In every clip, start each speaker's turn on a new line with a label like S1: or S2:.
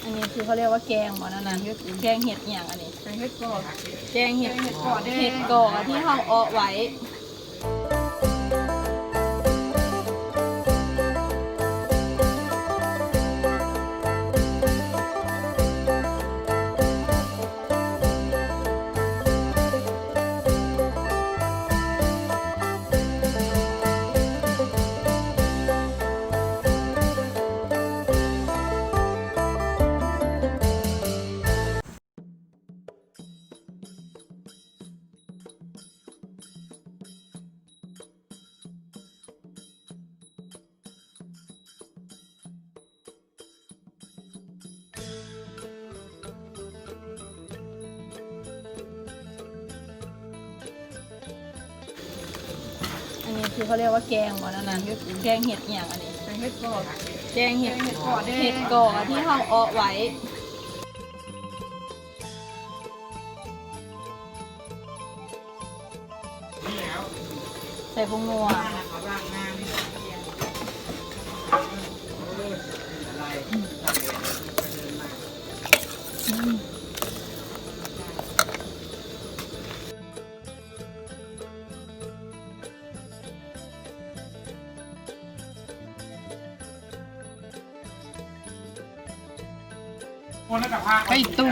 S1: อันนี้คือเขาเรียกว่าแกงหมอนั่นนะแกงเห็ดอย่างอันนี้แกงเห็ดก่อแกงเห็ดก่อเห็ดก่อที่ห้องเอาไว้อันนี้คือเขาเรียกว่าแกงหมอนั่นนะแกงเห็ดอย่างอันนี้แกงเห็ดก่อแกงเห็ดก่อเห็ดก่อที่ห้องเอาไว้ใส่ผงนัว
S2: ไปตู้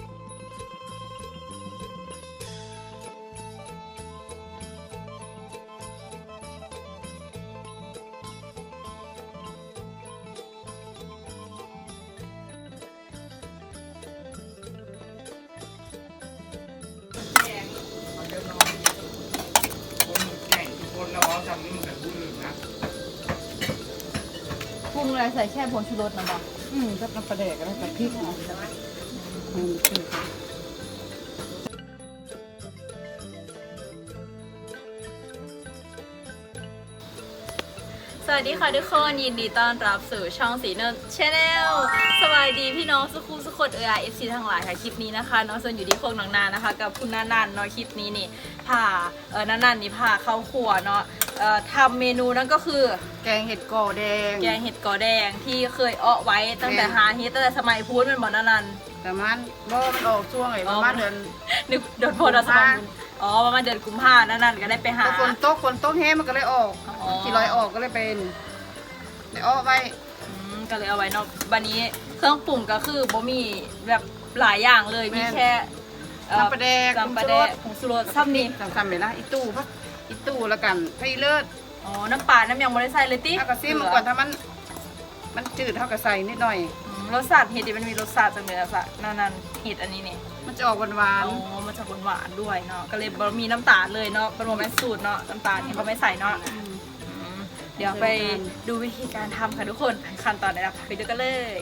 S1: ปรุงอะไรใส่แค่ผงชูรสนะบอก
S2: กับน้ำปลาแดกแล้วกับพริกนะ
S1: สวัสดีค่ะทุกคนยินดีต้อนรับสู่ช่องสีเนิร์ดชาแนลสวัสดีพี่น้องสุขุมสุขดFC ทั้งหลายค่ะคลิปนี้นะคะน้องส่วนอยู่ที่โคกหนองนานะคะกับคุณนันนันเนาะคลิปนี้นี่พานันนันนี่พาเข้าครัวเนาะทำเมนูนั่นก็คือ
S2: แกงเห็ดก่อแดง
S1: แกงเห็ดกอแดงที่เคยเอาไว้ตั้งแต่หาเฮ็ดตั้งแต่สมัยพูดเป็นบ่นันนัน
S2: แต่มันออกช่วงไอ้ประมาณเดือน
S1: นึกเดือนพอดสมัยอ๋อประมาณเดือนกุมภาพันธ์นั่นก็ได้ไปหา
S2: คนโต๊ะแห้มันก็เลยออกที่ลอยออกก็เลยเป็นได้ออกไป
S1: ก็เลยเอาไว้เนาะวันนี้เครื่องปรุงก็คือบ่มีแบบหลายอย่างเลยมีแค่
S2: น้ำปลาแดก
S1: ผงชูรสซ้ำนี่
S2: ซ้ำๆไปละอีตู้แล้วกันไผ่เลิศ
S1: อ๋อน้ำปลาน้ำยังไม่ได้ใส่เลยติ
S2: ถ้ากระซิมก่อนถ้ามันจืดเท่ากับใส่นิดหน่อย
S1: รสชาติเห็ดดิมันมีรสชาติจังเลยอะสะนั่นเห็ดอันนี้เนี่ย
S2: มันจะออกหวาน
S1: อ๋อมันจะหวานด้วยเนาะก็เลยมีน้ำตาลเลยเนาะเป็นโมเมนต์สูตรเนาะน้ำตาลนี่เขาไม่ใส่เนาะเดี๋ยวไปดูวิธีการทำค่ะทุกคนขั้นตอนไหนไปดูกันเลย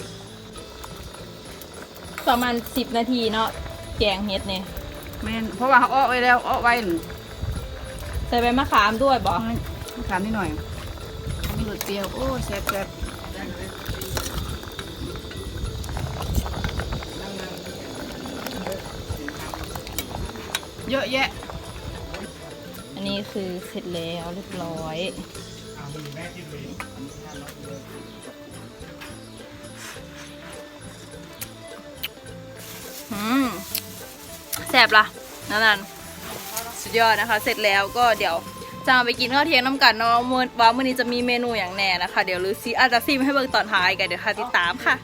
S1: ประมาณ10 นาทีเนาะแกงเห็ดเนี่ย
S2: แม่นเพราะว่าเขาอ้อไว้แล้วอ้อไว้
S1: ใส่ใบมะขามด้วยบอก
S2: มะขามนิดหน่อยมีรสเปรี้ยวโอ้แซ่บเยอะแยะ
S1: อันนี้คือเสร็จแล้วเรียบร้อยแซ่บละนั่นสุดยอดนะคะเสร็จแล้วก็เดี๋ยวจะไปกินข้าวเที่ยงน้ำกันเนาะว่ามื้อนี้จะมีเมนูอย่างแน่นะคะเดี๋ยวลือซีอาจจะซิมให้เบิ่งตอนท้ายกันเดี๋ยวค่ะติดตามค่ะ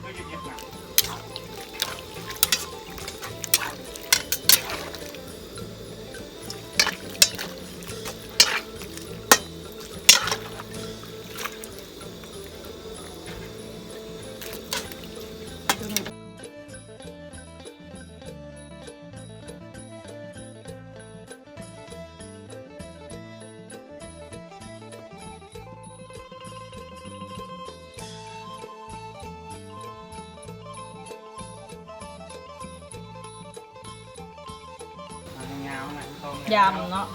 S1: ยำเนาะ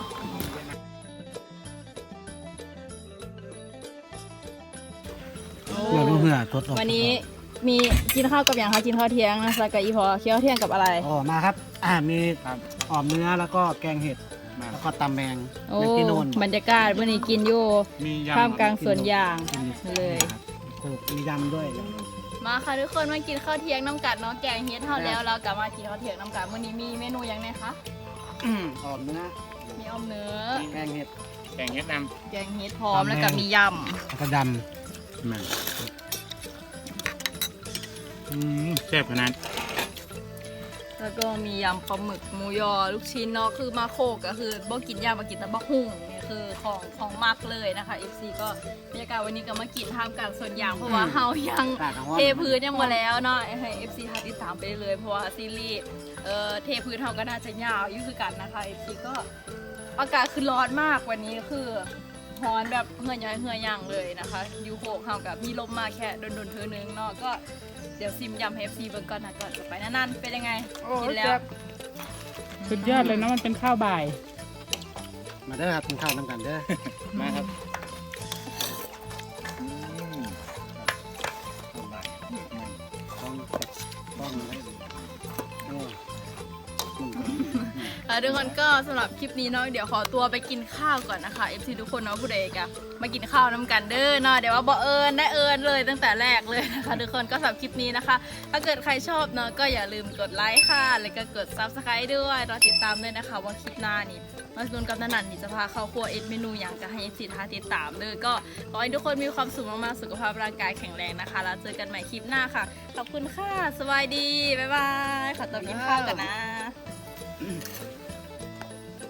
S1: วันนี้มีกินข้าวกับอย่างคะกินข้าวเที่ยงนะแล้วก็อีพอเคี้ยวเที่ยงกับอะไร
S3: อ๋อมาครับมีอ่อมเนื้อแล้วก็แกงเห็ดแล้วก็ตำแมง
S1: ที่โน่นบรรยากาศวันนี้กินอยู่ท่ามกลางสวนยางเลย
S3: มียำด้วย
S1: มาค่ะทุกคนมากินข้าวเที่ยงน้ำกันเนาะแกงเฮ็ดเท่าแล้วเรากลับมากินข้าวเที่ยงน้ำกันวันนี้มีเมนูยังไงคะ
S3: ออมเนื้อ
S1: มีออมเนื้อ
S3: แกงเห็ด
S4: แกงเฮ็ดน
S1: แกงเฮ็ดพร้อมแล้วก็มีย
S3: แล้วก็ด
S4: ำมันแซ่บขนาด
S1: ำแล้วก็มียำปลาหมึกหมูยอลูกชิ้นเนาะคือมาโคกก็คือบ่กินยำมากินแต่บะหุ่งนี่คือของมักเลยนะคะ FC ก็บรรยากาศวันนี้ก็มากินท่ามกลางสวนยางเพราะว่าเฮายัง
S3: ำตาดของ
S1: เทพื้นยังมาแล้วเนาะให้ FC ทาติดตามไปเลยเพราะว่าซีรีส์เทพื้นเฮาก็น่าจะยาวอยู่คือกันนะคะ FC ก็อากาศคือร้อนมากวันนี้คือร้อนแบบเหื่อยย้อยเหื่อยย่างเลยนะคะยูโคกเฮากับมีลมมาแค่โดนๆเธอนึงเนาะก็เดี๋ยวซิมยำให้ FC เบิ่งก่อนนะก่อนจะไปนั่นๆเป็นยังไงกินแล้ว
S5: สุดยอดเลยนะมันเป็นข้าวบ่าย
S3: มาเด้อครับกินข้าวน้ำกันเด้อ
S4: มาครับ
S3: ต้องให้โอ้
S1: ทุกคนก็สำหรับคลิปนี้เนาะเดี๋ยวขอตัวไปกินข้าวก่อนนะคะ FC ทุกคนเนาะผู้ใดก็มากินข้าวน้ำกันเด้อเนาะเดี๋ยวว่าบ่เอิญได้เอิญเลยตั้งแต่แรกเลยนะคะทุกคนก็สำหรับคลิปนี้นะคะ ถ้าเกิดใครชอบเนาะก็อย่าลืมกดไลค์ค่ะแล้วก็กด Subscribe ด้วยรอติดตามด้วยนะคะว่าคลิปหน้านี่มาสนุนกับนันนี่จะพาเข้าครัวเอ็ดเมนูอย่างจะให้ FC ท้าติดตามเลยก็ขอให้ทุกคนมีความสุขมากๆสุขภาพร่างกายแข็งแรงนะคะแล้วเจอกันใหม่คลิปหน้าค่ะขอบคุณค่ะสวัสดีบ๊ายบายขอตัวกินข้าวกันนะ